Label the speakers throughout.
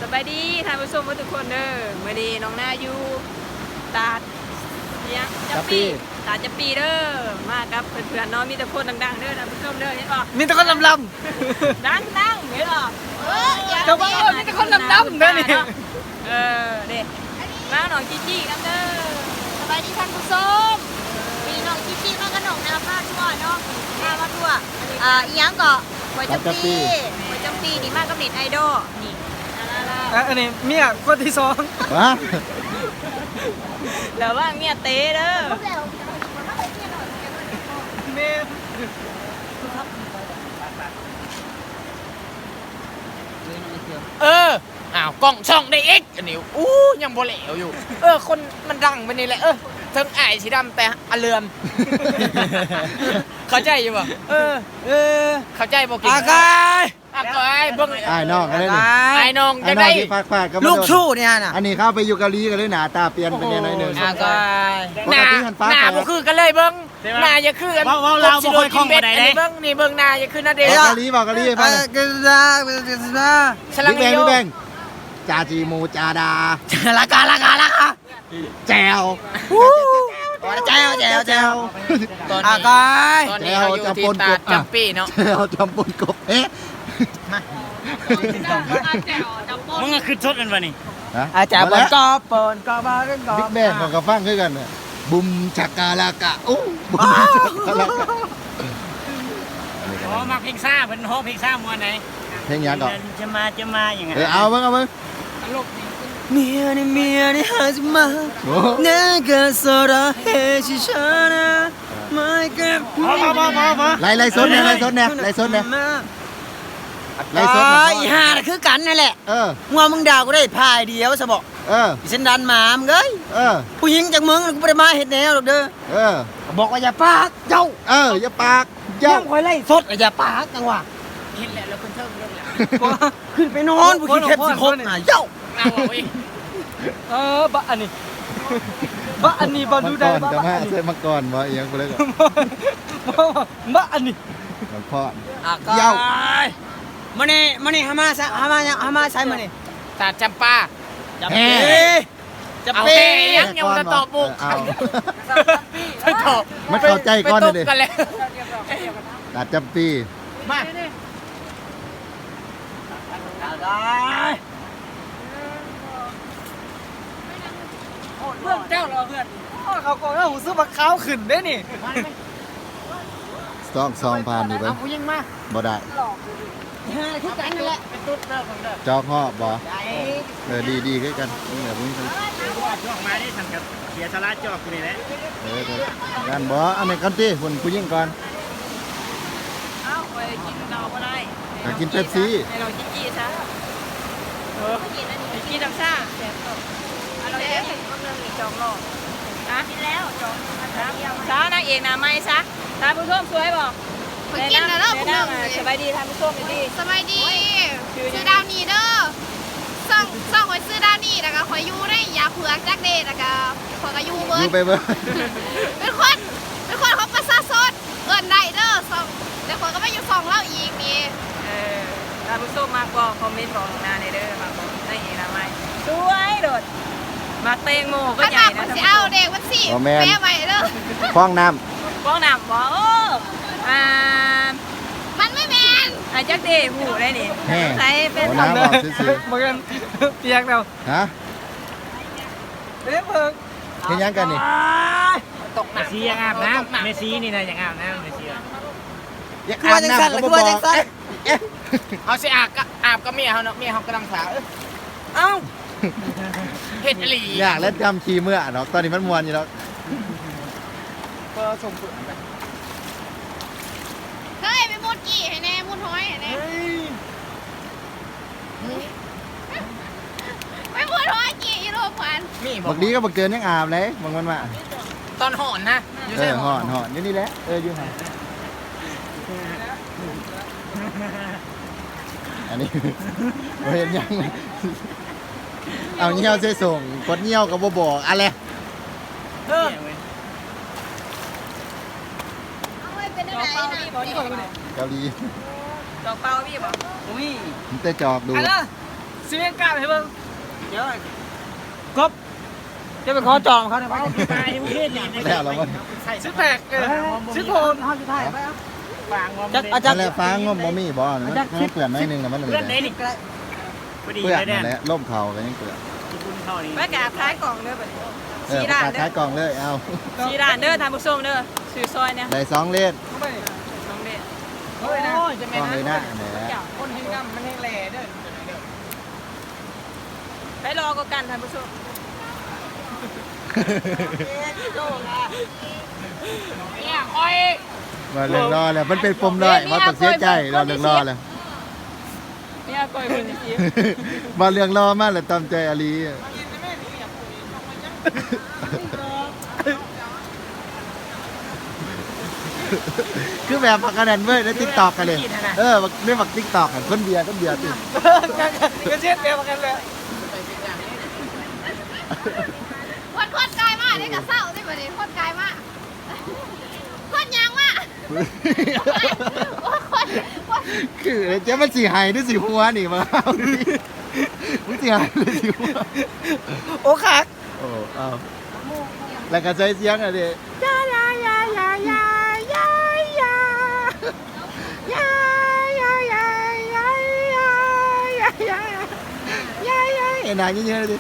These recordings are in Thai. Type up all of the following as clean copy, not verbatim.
Speaker 1: บายดีท่านผู้ชมทุกคนเด้อเมื่อนี้น้องหน้าอยู่ตาดเนี่ยจับปีตาดจับปีเด้อมากับเพื่อนๆน้องมีแต่คนดังๆเด้อท่านผู้ชมเด้อเห็นป่ะ
Speaker 2: มีแต่คนลำ
Speaker 1: ดังเห็นป่ะ
Speaker 2: แต่ว่ามีแต่คนดำๆเด้อนี่
Speaker 1: เด็กมาหนองจี้กันเด้อ
Speaker 3: สบายดีท่านผู้ชมมีน้องจิ๊บๆมากับน้องนาพาทั่วเนาะมาทั่วอีหยังก็หวยจำปีนี่มากกับเน็ตไอดอลนี่
Speaker 2: อันนี้เมียคนที่สอง
Speaker 4: วะ
Speaker 1: แล้วว่าเมียเต้เด้อ
Speaker 2: เมีย
Speaker 5: อ้าวกล้องช่องได้เอ็กอันนี้ยังบ่เหลวอยู่คนมันดังไปนี่แหละเทิงอ้ายสีดำแต่อเลือม เข้าใจอยู่ป่ะเข้าใจบ่กินอากายเบิ่ง
Speaker 4: ไอ้น้องกันเลยนี่
Speaker 5: ไอ้น้อง
Speaker 4: ไอ้
Speaker 5: จะ
Speaker 4: น้อง
Speaker 5: ได้
Speaker 4: ที่ฝากๆก็มา
Speaker 2: ลูก
Speaker 4: โดน
Speaker 2: ชู้เนี่ยน่ะ
Speaker 4: อันนี้เข้าไปอยู่เกาหลีกันเลยหนาตาเปลี่ยนเป็นยังไงหนึ่ง
Speaker 5: อากาย
Speaker 4: ปกติหันฟ้า
Speaker 5: หน้าบ่คือกันเลยเบิ่งหน้าอย่าคือกันเราบ่ค่อยคล่องปานใดเด้เบิ่งนี่เบิ่งหน้าอย่าคือหน้าเด้
Speaker 4: บอกเกาหลีบอกเกาหลีให้ฟังหน่อย
Speaker 5: ฉลัง
Speaker 4: บิ๊ก
Speaker 5: โย
Speaker 4: แบงจาจีมูจาดา
Speaker 2: ราคา
Speaker 4: แจวแจว
Speaker 5: ตอน
Speaker 2: อา
Speaker 5: นี้
Speaker 2: กาย
Speaker 5: ตอนนี้เขาอยู่ที่ตาดจำปีเนาะ
Speaker 4: แจวจำปนกบ
Speaker 6: มึงก็คือชดกันวะนี่
Speaker 2: อาจารย์บอลกอบปนกอบากันกอ
Speaker 4: บิ๊กแบงของกระฟังคือกันน่ะบุมชักกาลากะบุมชักกาลากะ
Speaker 6: โอ้มาเพลงซ่าเป็นโฮเพลงซ่ามวนไหน
Speaker 4: เพลงยังก่อน
Speaker 6: จะมาอย่างไง
Speaker 4: เอาเบิ่ง
Speaker 2: เมียนี่หาจะมา
Speaker 4: โอ้
Speaker 2: 내가 사랑해주잖아 My girl
Speaker 4: ไล่สดเนี่ยไล่สดเนี่ยไล่สดเนี่ยไล่สด
Speaker 2: อีห่าน่ะคือกันนั่นแหละ
Speaker 4: เ
Speaker 2: งัวมึงด่ากูได้พายเดียวซะบอก
Speaker 4: ออ
Speaker 2: อีเส้นดันหมามึงเอ้ย
Speaker 4: เออ
Speaker 2: ผู้หญิงจากมึงกูไม่ได้มาเห็ดแนวหรอกเด้อ
Speaker 4: เออ
Speaker 2: บอกว่าอย่าปากเจ้า
Speaker 4: อย่าปากเจ้า
Speaker 2: ย่ำคอยไล่สดอย่าปากจังหวะ
Speaker 5: เห็นแล้วคนเทิงเรื่องแล้ว
Speaker 2: ขึ้นไปนอนผู้ขี้เข็บสิคบน่ะเจ้า
Speaker 5: เอาเว้ย
Speaker 2: บะอันนี้บะดูได้
Speaker 4: มังกร
Speaker 2: บะ
Speaker 4: จะ
Speaker 2: อั
Speaker 4: มาน
Speaker 2: นี้
Speaker 4: เส้นมังกรบ่เอียงกูเลยก่อน
Speaker 2: บะอันนี้
Speaker 4: มังพ่อ
Speaker 2: เย้ามานี่หามาใช้มานี่
Speaker 5: ตาดจำปา
Speaker 2: จับ
Speaker 4: แฮ่
Speaker 2: จะ
Speaker 5: เอา
Speaker 2: เป้
Speaker 5: แค่ยังจะตอบบุก
Speaker 4: เอา
Speaker 5: ไปตอบ
Speaker 4: มันเข้าใจก่อน
Speaker 5: ไป
Speaker 4: เลย
Speaker 5: ตบกันแล้ว
Speaker 4: ตัดจำปี
Speaker 5: มา
Speaker 2: เพื่อนเจ้าเหรอเพื่อนเขาก็หูซื้อบักขาวขึ้นได้นี่
Speaker 4: ซองผ่านอยู่เบิ่
Speaker 5: เอา
Speaker 4: ง
Speaker 5: ผู้ยิงมา
Speaker 4: บ่ได้
Speaker 2: คือกันนั่นแหละ
Speaker 5: เป็นตุ๊ดเด้อของเด้อ
Speaker 4: จอกห่อบ่ดีคือกันนี่แหละมึง
Speaker 6: จอกมาได้ทำกับเสียสาระจอกกูนี่แหละ
Speaker 4: กันบ่อันนี้ก่อนติคุณผู้หญิงก่อน
Speaker 1: เอ้าไปกินเราก็ได้
Speaker 4: อยากกินเป๊ปซี่
Speaker 1: ให้เราจี้ซะกินน้ำชาเราเลี้ยงก็เรื่องอีกจองรอบกินแล้วจองซานางเอกนาไม่ซะท่านผู้ชมสวยบอก
Speaker 3: ไปกินแล้วเนาะคุณหนึ่ง
Speaker 1: สบายดีท่านผู้ชมดี
Speaker 3: สบายดีซื้อดาวนีเด้อส่องไว้ซื้อดาวนีแล้วก็คอยอยู่ได้ยาเผือกจักเดแล้วก็คอยก็อยู่เบิ
Speaker 4: อยู่
Speaker 3: ร์
Speaker 4: ไปเบิ่ง
Speaker 3: เป็นคนของประชาชนเอิ้นได้เด้อส่องแต่คนก็ไม่อยู่ส่องเล่าอีกนี่
Speaker 1: ท่านผู้ชมมากบอกคอมเมนต์บอกนาในเด้อมาบอกนางเอกนาไม่สวยโดดมาเตงโมก็
Speaker 3: ข
Speaker 1: ใหญ่
Speaker 3: นาด
Speaker 1: นะ
Speaker 3: มันสิเอาเด็กมันสิแม่ใหม่เด้อ
Speaker 4: ฟ้องน้
Speaker 1: ฟ้องนำบอกโอ้
Speaker 3: มันไม่แมน
Speaker 1: จักเดหูได้นี่
Speaker 4: ำแฮ่
Speaker 1: ใส่เป็น
Speaker 4: เอาน้ำออกซื่อ
Speaker 2: เหมือนกันเปียกแล้ว
Speaker 4: ๆฮะ
Speaker 2: เด้เพิ่ง
Speaker 4: เฮ็ดหยังกันนี่
Speaker 5: ตกห
Speaker 6: เม
Speaker 5: นัก
Speaker 6: ซียังอาบน้ำเมซีนี่นะยังอาบน้ำเมซี
Speaker 2: คือว่าจังสั่นหรือคือว่าจังสั่น
Speaker 5: เอาสิอาบก็เมียเขาเนาะเมียเขากำลังสาว
Speaker 2: เอ้า
Speaker 5: เฮ็ดอหลี
Speaker 4: อยากเล่นจำขี้เมื่อเนาะตอนนี้มันมวนอยู่แล้ว
Speaker 2: ก็ส่งผล
Speaker 3: เฮ้ยไปมุดกี่ให้แน่มุดห้อยให้แน่ไปมุดห้อยกี่อีโรควัน
Speaker 5: มีบ
Speaker 4: บักดีก็บักเกินยังอาบเลยบางวันว่า
Speaker 5: ตอนห่อนนะอยู่ใช่
Speaker 4: ห่อนอยู่นี่แหละอยู่ห่อนอันนี้เห็นยังเอาเงี้ยวใส่ส่งกดเงี้ยวกับบ่บอกอะไร
Speaker 3: เอาไว้เป็น
Speaker 1: จ
Speaker 3: อะ
Speaker 1: อก
Speaker 3: ไร
Speaker 1: เป้า
Speaker 3: นะ
Speaker 1: พี่บอกนี่
Speaker 4: เกาหลี
Speaker 1: จอกเป้าพี่บอก
Speaker 2: อุ้ย
Speaker 4: มันแต่จอกดู
Speaker 2: อะไรเสียงกล้าให้เบิ่งเดี๋ยวกบจะไปขอจองเขาได้ไหม
Speaker 6: ตายประเทศนี่
Speaker 4: แล้วเราว่า
Speaker 2: ซื้อแตกซื้อโทนห้าสุดท้ายไปอ่ะ
Speaker 6: ฟางว่า
Speaker 2: จักอาจาร
Speaker 4: นั่
Speaker 2: ย์
Speaker 4: นแหละฟ้างบ่มีบ่มันเปื่อนหน่อยนึงแล้วมันเลย
Speaker 6: เพื่อนไหนนี่พอดี
Speaker 4: เปื่อน
Speaker 6: เลยเนี่ย
Speaker 4: นั่นแหละล่มเขาก็ยังเปื่อน
Speaker 6: คุณเท่านี้
Speaker 1: ไปกราบท้ายกล่องเด้อบัดนี้
Speaker 4: ประกาศขายกล่องเลยเอา
Speaker 1: สีด่านเด้อทานผู้ชมเด้อซื้อซอยเนี่ย
Speaker 4: ได้2เลน
Speaker 2: เข้าไป
Speaker 1: น้องเด้
Speaker 2: โอ้ยนะ
Speaker 5: จะ
Speaker 4: ก
Speaker 5: ไม่
Speaker 4: ล่อง
Speaker 5: นะ
Speaker 4: เลยนะแหละ
Speaker 2: คนเฮงกำมันเฮงแหล่เด้อ
Speaker 1: ไปรอก็กันทานผู้ชม
Speaker 5: เนี่ยคอย
Speaker 4: มาเรื่องรอแล้วมันเป็นปมด้อยว่าต้องเสียใจรอเรื่องรอแล้ว
Speaker 1: เนี่ยก้อยคนนี้
Speaker 4: มาเรื่องรอมากเลยตามใจอาลีคือแบบพักกันนั่นเว้ยแล้วติ๊กตอกกันเลยเรื่องบักติ๊กตอกกันคนเบียร์ติ
Speaker 2: ก็เช็ดเดียวกันเลย
Speaker 3: คนกายมากได้กับเศร้าได้แบบนี้คนกายมากคนยังมากคน
Speaker 4: คือเจ๊มันสีหายด้วยสีหัวนี่มาเอาดิมันสีหายด้วยสีหัว
Speaker 2: โอ้คัก
Speaker 4: โอ้เอาแล้วก็ใช้เสียงอะไรยายายายายายายายายายายายายาเอ็นนายเยอะๆเลยดิ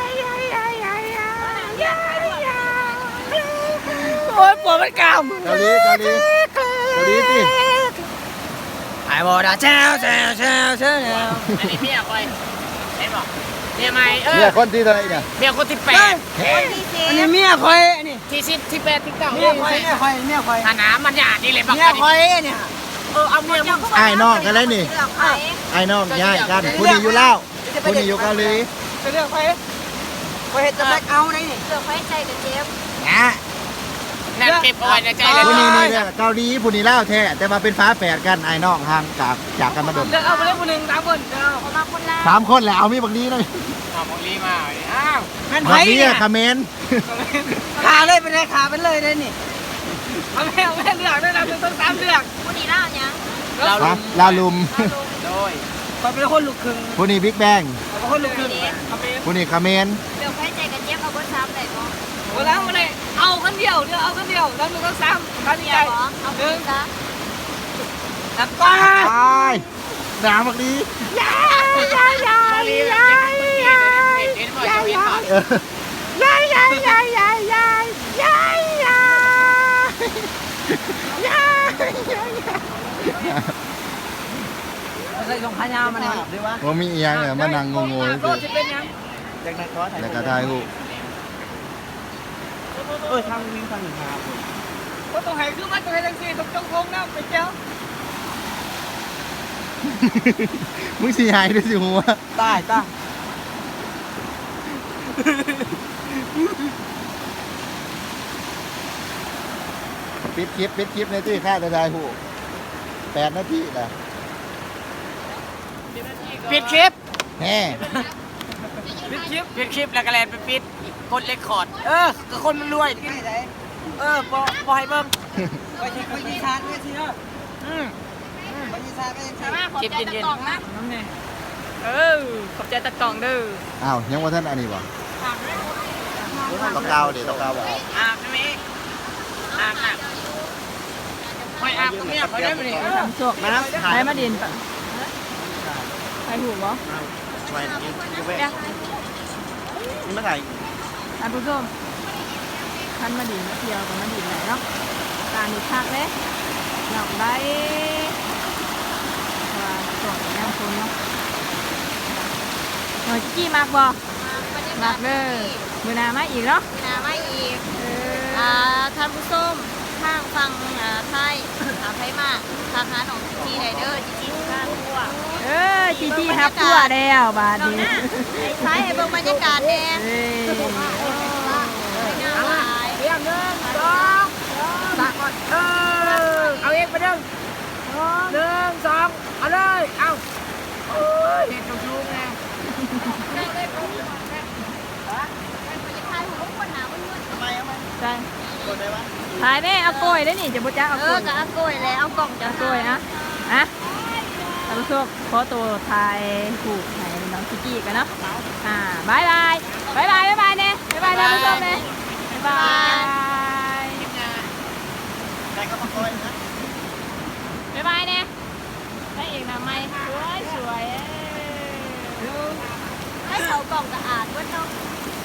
Speaker 2: โอ้ยปวดมันกล้าม
Speaker 4: เกาหลีสิ
Speaker 2: ไอ้บอดาแช่แช่แช่แช่
Speaker 5: อันนี้เมียคอยเห็นบอกเมียใหม่
Speaker 4: เนี่ยคนที่เท่าไหร่เนี่ย
Speaker 5: เมียคนที่8
Speaker 2: อันนี้เมียคอยนี่
Speaker 5: ที่10ที่8ที่9
Speaker 2: เมียคอยเมียคอยเมียคอย
Speaker 5: ฐานะมันหยาดนี่เลยบัก
Speaker 2: เมียคอยเนี่ย
Speaker 5: เอาเมียมึง
Speaker 4: ไอ้น้องกันเลยนี่ไอ้น้องย้ายกันผู้นี้อยู่ลาวผู้นี้อยู่เกาหลี
Speaker 2: จะเลือกคอยคอยเห็ดจะแบกเอาได้นี่
Speaker 3: เสือไฟใจกับเจฟ
Speaker 4: นะ
Speaker 5: นั่นเก็บเอาไว้ในใจเลย
Speaker 4: ผู้นี้นี่เนี่ยเกาหลีผู้นี้ลาวแท้แต่มาเป็นฟ้าแฝดกันไอ้น้องห่างจากกันมาโดน
Speaker 2: เลือกเอาไปเลยคนหนึ่ง3 คนเดี๋ยว
Speaker 3: เขามาคนละ
Speaker 4: 3 คนแหละเอามีบักนี้เลย
Speaker 5: เอาของลีมาอ้าว
Speaker 2: แม่น
Speaker 4: บั
Speaker 2: ไผ่
Speaker 4: กนี้
Speaker 2: เนี่ย
Speaker 4: คาเมน
Speaker 2: ขาเลยไปเลยขาเป็นเลยได้นี่เอาแม่เลือกได้นะเป็นต้อง3เลือก
Speaker 3: คนนี้เล่ายัง
Speaker 4: ลาวลุม
Speaker 5: โดย
Speaker 2: คอยเป็นคนลูกครึ่ง
Speaker 4: ผู้นี้บิ๊กแบง
Speaker 2: เป็นคนลูกครึ่ง
Speaker 4: ผู้นี้คาเมน
Speaker 3: เสือไฟใจกับเจฟเอาเบอร์ซ้ำเลยมั้ง
Speaker 2: โอ้แล้วมาเลยเอาคนเดียวเลือกเอาคนเดียวแล้วต้อง3ท่าน
Speaker 3: เมี
Speaker 2: ให
Speaker 3: ย
Speaker 2: ญ่
Speaker 3: บอเอาไปซะ
Speaker 2: แล้วก็
Speaker 4: ตายด่าบักนี้
Speaker 5: มาลีแล้วเห็นบ่อยเห็นบ่อย
Speaker 2: ใส่รองเท้ายาวมาหน่อยดีวะ
Speaker 4: ว่ามีอีหยังเนี่ยมานั่งงงๆเลย
Speaker 2: ก็จะเป็นยังจากนั้นก็ถ่าย
Speaker 4: แล้วก็ถ่ายรูป
Speaker 2: ทางวิ่งทางหนึ่งครับก็ต้องให้คือมันต้องให้ทั้งสี่ต้องจงคงนะไปเจ้า
Speaker 4: มึงสีหายด้วยสิหัว
Speaker 2: ตาย
Speaker 4: ปิดคลิปในที่ค่าจะถ่ายรูป8 นาทีนะ
Speaker 5: ปิดคลิป
Speaker 4: แฮ่
Speaker 5: ปิดคลิปแล้วก็แลนไปปิดกดเรคคอร์ดก็คนมันรวยบ่ให้เบิ่ง
Speaker 2: ไปยีชาร์จไม่ใช่เหรอ
Speaker 5: อืม
Speaker 2: ไปยีชาร์จไม่ใช่
Speaker 3: ขอบใจตะกล่องนะ
Speaker 2: น้ำเนี่ย
Speaker 1: ขอบใจตะกล่องเด้อ
Speaker 4: อ้าวยังว่าท่านอันนี้บ่ตะกาวดิตะกาวบ่เอา
Speaker 5: อาบใช่ไหมอาบคอยอาบตรงนี้คอยได้ไหมนี่
Speaker 1: ทำโชคนะใช้มาดินปะใช้ถูกบ่
Speaker 4: ไปนี่มาถ่าย
Speaker 1: ท่านผู้ชมท่านมาดินมาเที่ยวกับมาดินไหนเนาะการดูคักเลยอยากได้ว่าส่วนแนวคนเนาะหน่อยจี้มากบ่มากเด้อมือหนามาอีกเนาะ
Speaker 3: นะไม่อีกท่านผู้ชมทางฟังไทยไทยมากทางหาหนองจีไรเดอร์จีข้างทั่ว
Speaker 1: จีจี้ฮับตัวแล้วบาด
Speaker 3: น้อง
Speaker 1: นี้
Speaker 3: หน้าใช้ให้เบิ่งบรรยากาศแน่
Speaker 1: เอ้ย
Speaker 5: เรียง1 2 3ก่อนเอาเองไป1 2เอาเลยเอาโอ้ยเห็นจุ๊บๆไง
Speaker 1: ใช่ถ่ายแม่เอาโกยได้นี่จะบุจ้าเอาโกย
Speaker 3: กับอาโกยแล้วเอากล่องจะ
Speaker 1: เอาโกยนะท่านผู้ชมขอตัวถ่ายถูกถ่ายน้องกิกกี้กันเนาะบายบายบายบายบายบายเนี่ยบายบายท่านผู้ชมเนี่ยบายบาย
Speaker 4: ได้ก็มาคอยนะ
Speaker 1: บายบายเนี่ยได้เองนะไม่สวย
Speaker 3: ให้เขากล่องสะอาดเว้ยเนาะ
Speaker 1: ส